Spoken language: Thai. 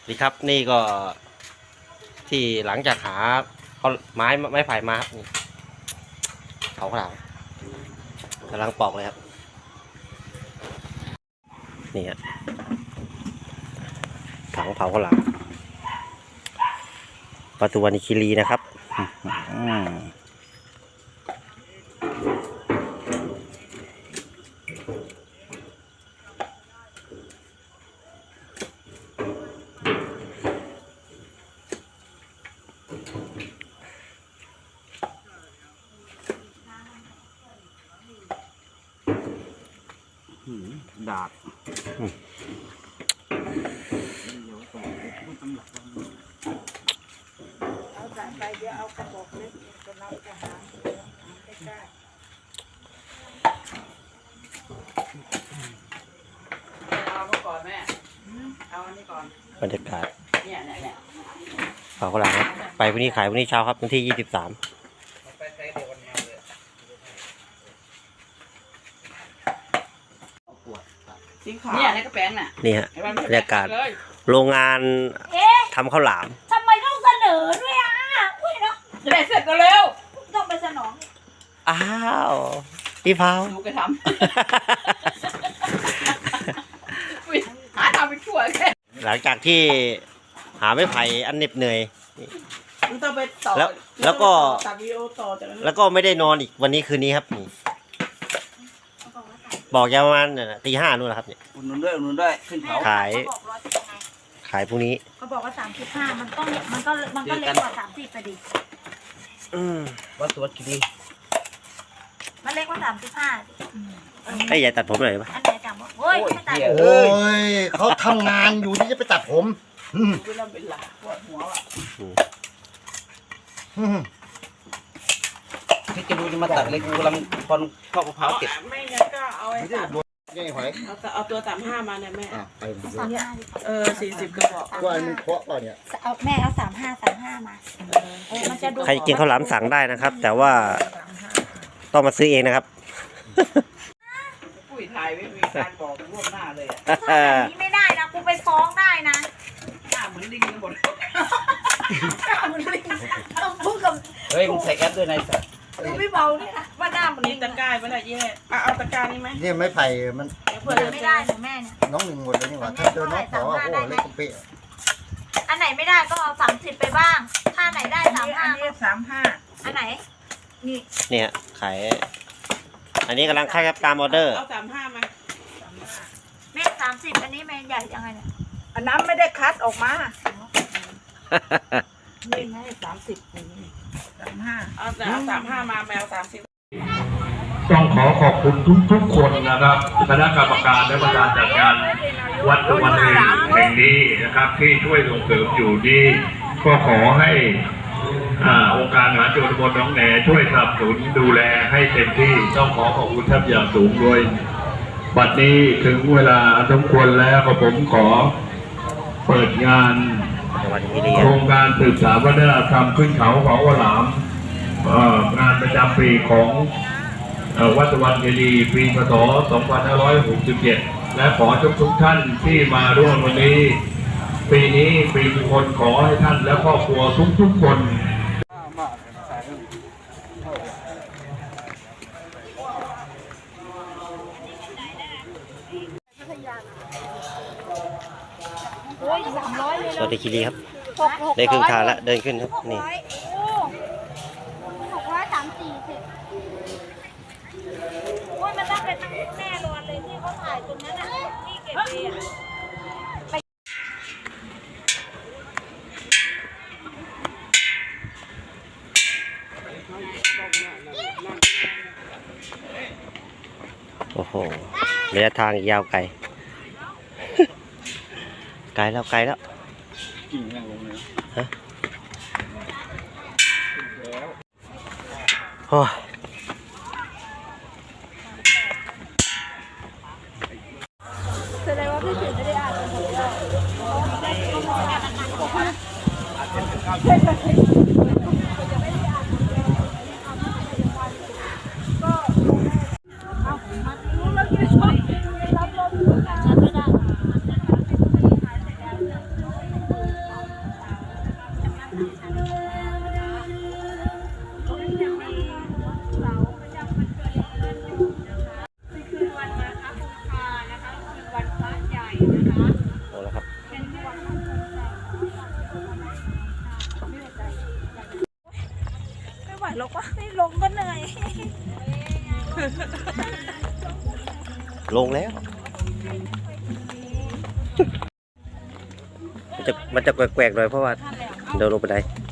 ดีครับนี่ก็ที่หลังจากหาเขาไม้ไผ่มาครับนี่เผาข้าวหลามกำลังปอกเลยครับนี่ฮะถังเผาข้าวหลามปทุมวันคีรีนะครับดาบเอาสายไปเดี๋ยวเอากระบอกเล็กจะนับจะหาใกล้เอาเมื่อก่อนแม่เอาอันนี้ก่อนบรรยากาศเนี่ยเผาข้าวหลามครับไปวันนี้ขายวันนี้เช้าครับวันที่23 เนี่ยในกระแป้งน่ะนี่ฮะบรรยากาศโรงงานทำข้าวหลามทำไมต้องเสนอด้วยอ่ะอุ้ยเนาะจะได้เสร็จเร็วต้องไปสนองอ้าวพี่เผาดูกระทำหาทำไปช่วยแค่หลังจากที่หาไม้ไผ่อันเหน็บเหนื่อยต้องไปต่อแล้วก็ตัดวิดีโอต่อจากนั้นแล้วก็ไม่ได้นอนอีกวันนี้คืนนี้ครับนี่บอกยาวประมาณตี 5นู่นนะครับเนี่ยอุ่นด้วยขึ้นเขาขายพรุ่งนี้เขาบอกว่า35มันก็เล็กกว่า30ไปดิวัดสวัสดีมันเล็กกว่า35 ไอ้ยายตัดผมหน่อยปะอันไหนจังเฮ้ยไม่ตัดโอ้ยเขาทำงานอยู่ที่จะไปตัดผมเวลาเป็นหลักปวดหัวอ่ะที่จะดูจะมาตัดเล็กกำลังพอนข้าวมะพร้าวเก็บไม่งั้นก็เอาไอ้ตัดเอาตัว35มาเนี่ยแม่40กระบอกก็มันเพาะป่ะเนี่ยเอาแม่เอา35มามันจะดูใครกินข้าวหลามสั่งได้นะครับ แต่ว่าต้องมาซื้อเองนะครับปุ๋ยถ่ายไม่มีการบอกล่วงหน้าเลยอ่ะแบบนี้ไม่ได้นะกูไปฟ้องได้นะหน้าเหมือนลิงกันหมดต้องพูดกับเฮ้ยมึงใส่แอปด้วยนายสัตว์ดูไม่เบาเนี่ยนะว่าหน้ามันนี่ตะกร้าไม่ได้แย่เอาตะกร้านี่ไหมเนี่ยไม้ไผ่มันเผื่อไม่ได้หนูแม่เนี่ยน้องหนึ่งหมดเลยนี่หว่าถ้าเจอน้องขอโอ้โหเล็กเป๊ะอันไหนไม่ได้ก็เอา30ไปบ้างถ้าไหนได้ 35 อันไหนนี่เนี่ยขายอันนี้กำลังค่ายตามออเดอร์เอา35มาแม่30อันนี้แม่ใหญ่ยังไงเนี่ยอันนั้นไม่ได้คัดออกมานี่ไง30นี่35เอา35มาแมว30 ต้องขอบคุณทุกคนนะครับคณะกรรมการและประธานจัดงานวัดตะวันเองแห่งนี้นะครับที่ช่วยส่งเสริมอยู่ดีก็ขอให้องค์การมหาชนตำบลหนองแหนช่วยสนับสนุนดูแลให้เต็มที่ต้องขอบคุณท่านอย่างสูงโดยบัดนี้ถึงเวลาสมควรแล้วผมขอเปิดงานโครงการสืบสานวัฒนธรรมขึ้นเขาของข้าวหลามงานประจำปีของวัดตะวันเจดีย์ปีพศ 2567 และขอทุกท่านที่มาร่วมวันนี้ปีนี้ปีมงคลขอให้ท่านและครอบครัวทุกคนสวัสดีคีรีครับได้ครึ่งทางแล้วเดินขึ้นครับนี่โอ้ยมันต้องเป็นแน่นอนเลยที่เขาถ่ายตรงนั้นน่ะที่เก็บเองโอ้โหระยะทางยาวไกลไกลแล้วกิ่งแรงลงเลยฮะโอ้แสดงว่าพี่ถึงไม่ได้อ่านหรอกว่าไม่ลงก็เหนื่อยลงแล้ว มันจะแกวกๆหน่อยเพราะว่าเดินลงไปได้